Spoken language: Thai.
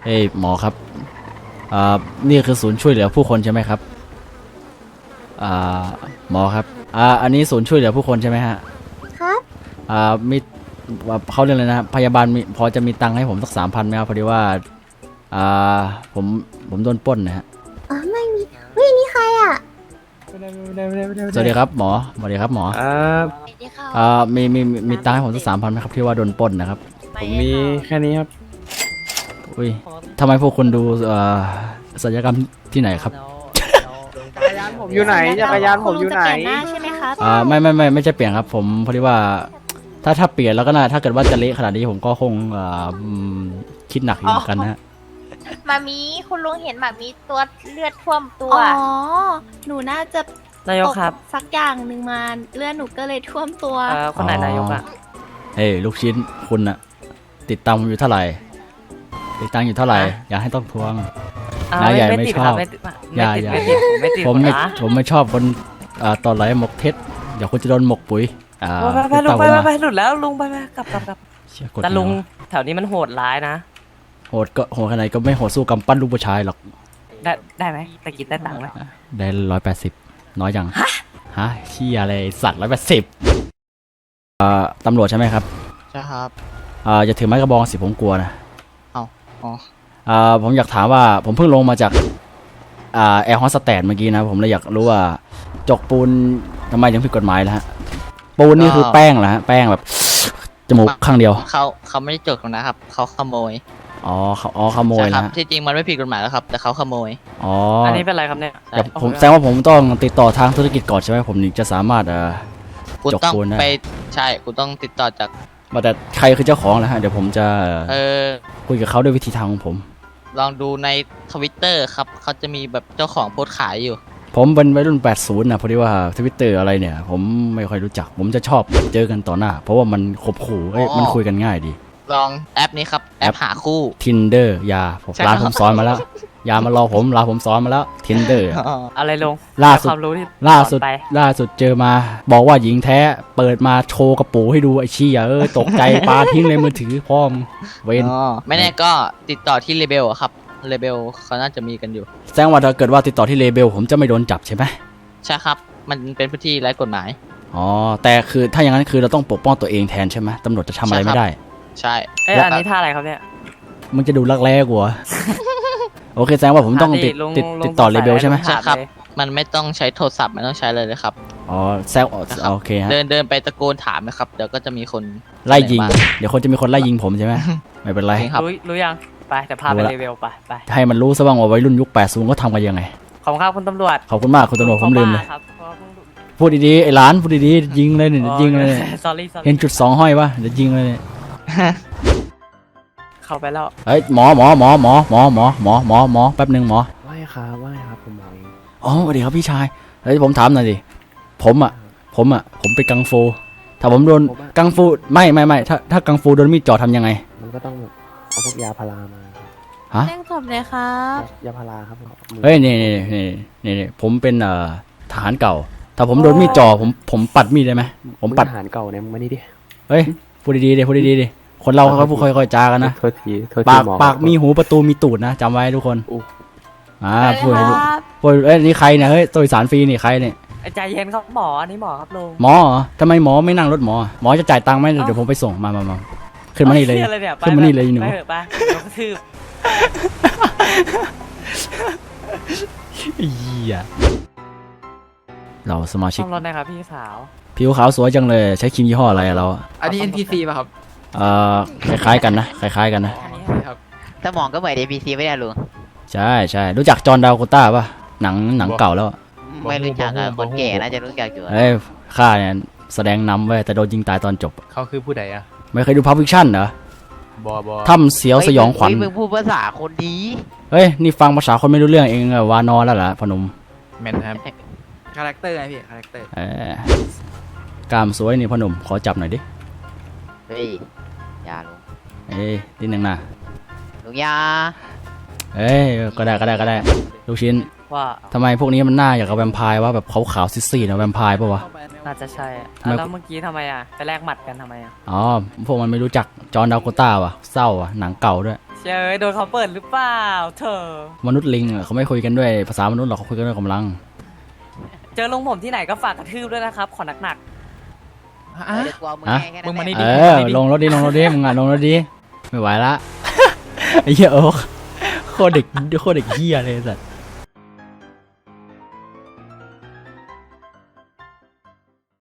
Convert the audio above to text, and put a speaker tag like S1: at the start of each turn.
S1: เอ้ยหมอครับนี่คือศูนย์ช่วยเหลือผู้คนใช่ไหมครับหมอครับอันนี้ศูนย์ช่วยเหลือผู้คนใช่ไหมฮะ
S2: ครับ
S1: มีเขาเรียกเลยนะพยาบาลมีพอจะมีตังค์ให้ผมสัก3,000ไหมครับพอดีว่าผมโดนปล้นนะฮะ
S2: ไม่มีวินี่ใครอ่ะ
S1: สวัสดีครับหมอสวัสดีครับหมอมีตังค์ให้ผมสัก3,000ไหมครับที่ว่าโดนปล้นนะครับ
S3: ผมมีแค่นี้ครับ
S1: อุ้ยทำไมพวกคุณดูศัลยกรรมที่ไหนครับ
S3: จักรยานผมอยู่ไหนจักรยานผมอยู่ไหน
S2: ใช่ไหมครับ
S1: ไม่ใช่เปลี่ยนครับผมพอดีว่าถ้าเปลี่ยนแล้วก็น่าถ้าเกิดว่าจะเละขนาดนี้ผมก็คงคิดหนักอยู่เหมือนกันนะ
S4: มามีคุณลุงเห็นแบบมีตัวเลือดท่วมตัว
S2: หนูน่าจะ
S5: นายกครับ
S2: สักอย่างหนึ่งมาเลือดหนูก็เลยท่วมตัว
S5: คนไหนนายกอะ
S1: เฮ้ยลูกชิ้นคุณอะติดตามอยู่เท่าไหร่ติดตังอยู่เท่าไหร่อยากให้ต้องทวงนายใหญ่ไม่ชอบอย่าผมไม่ชอบคนตอนไหลหมกเท็จเดี๋ยวคุณจะโดนหมกปุ๋ย
S5: ไปลุงไปหลุดแล้วลุงไปกลับแต่ลุงแถวนี้มันโหดร้ายนะ
S1: โหดก็โหดขนาดก็ไม่โหดสู้กำปั้นลูกผู้ชายหรอก
S5: ได้ไหมตะกี้ได้ตังค์ไหม
S1: ได้180น้อยยังฮะเชี่ยอะไรสัตว์180ตำรวจใช่ไหมครับ
S6: ใช่ครับ
S1: อย่าถือไม้กระบองสิผมกลัวนะ
S6: อ๋อ
S1: ผมอยากถามว่าผมเพิ่งลงมาจากแอร์โฮสเตสเมื่อกี้นะผมเลยอยากรู้ว่าจกปูนทำไมถึงผิดกฎหมายแล้วฮะปูนนี่คือแป้งเหรอฮะแป้งแบบจมูกข้างเดียว
S6: เขาไม่ได้จกนะครับเขาขโมย
S1: ขโมยนะ
S6: ที่จริงมันไม่ผิดกฎหมายแล้วครับแต่เขาขโมย
S5: อันนี้เป็นไรครับเนี่ย
S1: ผมแสดงว่าผมต้องติดต่อทางธุรกิจก่อนใช่ไหมผมถึงจะสามารถจกปูนได้
S6: ใช่คุณต้องติดต่อจาก
S1: แต่ใครคือเจ้าของนะฮะเดี๋ยวผมจะคุยกับเขาด้วยวิธีทางของผม
S6: ลองดูใน Twitter ครับเขาจะมีแบบเจ้าของโพสต์ขายอยู่
S1: ผมเป็นวัยรุ่น80นะพอดีว่า Twitter อะไรเนี่ยผมไม่ค่อยรู้จักผมจะชอบเจอกันต่อหน้าเพราะว่ามันขบขู่มันคุยกันง่ายดี
S6: ลองแอปนี้ครับแอปหาคู่
S1: Tinder ร้านผมสอนมาแล้วอย่ามารอผมสอนมาแล้ว Tinder
S5: อะไรลง
S1: ล่าสุดเจอมาบอกว่าหญิงแท้เปิดมาโชว์กระปูให้ดูไอ้ชี้ตกใจปาทิ้งเลยมือถือพ่อมเว้น
S6: ไม่แน่ก็ติดต่อที่เลเบลครับเลเบลเขาน่าจะมีกันอยู่
S1: แสดงว่าถ้าเกิดว่าติดต่อที่เลเบลผมจะไม่โดนจับใช่ไหม
S6: ใช่ครับมันเป็นพื้นที่ไร้กฎหมาย
S1: แต่คือถ้าอย่างนั้นคือเราต้องปกป้องตัวเองแทนใช่ไหมตำรวจจะทำอะไรไม่ได้
S6: ใช่
S5: อันนี้ท่าอะไรครับเนี่ย
S1: มึงจะดูรักแร้กูโอเคแสดงว่าผมต้องติดต่อเลเบลใช่ไหม
S6: ใช่ครับมันไม่ต้องใช้โทรศัพท์ไม่ต้องใช้เลยครับ
S1: แซวโอเคฮะ
S6: เดินไปตะโกนถามนะครับเดี๋ยวก็จะมีคน
S1: ไล่ยิงเดี๋ยวคนจะมีคนไล่ยิงผมใช่ไหมไม่เป็นไร
S5: รู้ยังไปแต่พาไปเลเวลไป
S1: ให้มันรู้ซะบ้างว่าวัยรุ่นยุค80ก็ทำกันยังไง
S5: ขอบคุณครับคุณตำรวจ
S1: ขอบคุณมากคุณตำรวจผมลืมเลยพูดดีๆไอ้หลานพูดดีๆยิงเลยเนี่ยยิงเลยเห็นจุด2ห้อยปะเดี๋ยวยิงเลย
S5: เข้าไปแล้ว
S1: เฮ้ยหมอแป๊บนึงหมอ
S3: ว่าไงครับผมหมอ
S1: สวัสดีครับพี่ชายเฮ้ยผมถามหน่อยดิผมไปกังฟูถ้าผมโดนกังฟูไม่ถ้ากังฟูโดนมีดจ่อทำยังไง
S3: มันก็ต้องเอาพวกยาพารามา
S1: ฮะ
S2: แจ้งศพเลยครับ
S3: ยาพาราครับ
S1: เฮ้ยนี่ผมเป็นทหารเก่าถ้าผมโดนมีดจ่อผมปัดมีดได้ไหมผมปัด
S3: ทหารเก่าเนี่ยมึงมานี่ดิ
S1: เฮ้ยพูดดีดิคนเราเขาพูดค่อยๆจากันนะปากมีหูประตูมีตูดนะจำไว้ทุกคนพูดนี่ใครเนี่ยเฮ้ยตัวสารฟรีนี่ใครเนี่ย
S5: ใจเย็นครับหมอนี่หมอครับลุง
S1: หมอทำไมหมอไม่นั่งรถหมอจะจ่ายตังค์ไหมเดี๋ยวผมไปส่งมาขึ้นมานี่เลยขึ้นมานี่เลยหนู
S5: ไปกระทืบ
S1: เราสมาชิก
S5: รถนะครับพี่สาว
S1: ผิวขาวสวยจังเลยใช้ครีมยี่ห้ออะไรเรา
S6: อันนี้ NPC ป่ะครับ
S1: คล้ายๆกันนะ
S6: ถ้ามองก็เหมือน NPC ไม่ได้ลุง
S1: ใช่รู้จักจอห์นดาวโคต้าป่ะหนังเก่าแล้ว
S6: ไม่รู้จักคนแก่น่าจะรู้จักอยู่
S1: ข้าเนี่ยแสดงนำไว้แต่โดนยิงตายตอนจบ
S6: เขาคือผู้ใดอะ
S1: ไม่เคยดูพับฟิคชั่นเหรอถ้ำเสียวสยองขวัญ
S6: มึงพูดภาษาคนดี
S1: เฮ้ยนี่ฟังภาษาคนไม่รู้เรื่องเองวานอนแล้วเหรอพนม
S6: แมนครับคาแรคเตอร์ไงพี่คาแรคเตอร์
S1: กล้ามสวยนี่พนมขอจับหน่อยดิ
S6: เฮ้ยอย่าลุง
S1: นิดนึงนะ
S6: ลุงยา
S1: ก็ได้ลูกชิ้น
S5: ว่า
S1: ทำไมพวกนี้มันหน้าอย่างกับแวมไพร์วะแบบขาวๆซีดๆนะแวมไพร์ปะวะ
S5: น่าจะใช่อะ
S1: ทำไม
S5: แล้วเมื่อกี้ทำไมอ่ะไปแลกหมัดกันทำไมอ่ะ
S1: อ๋อพวกมันไม่รู้จักจอห์นดาโกต้าว่ะเศร้าว่ะหนังเก่าด้วย
S5: เชยโดนเขาเปิดหรือเปล่าเธอ
S1: มนุษย์ลิงอะเขาไม่คุยกันด้วยภาษามนุษย์หรอกเขาคุยกันด้วยกำลัง
S5: เจอลุงผมที่ไหนก็ฝากกระทืบด้วยนะครับขอหนัก
S6: เดี๋ยวกลัวมึง
S1: อะ
S6: แค่แค่
S7: มึงมา
S6: นั้น
S7: นี่
S6: แหละ
S1: เออลงรถดิลงรถดิมึงอ่ะลงรถดิไม่ไหวละ ไอ้เหี้ยโอ๊คโคตรเด็กเหี้ยเลยสัตว์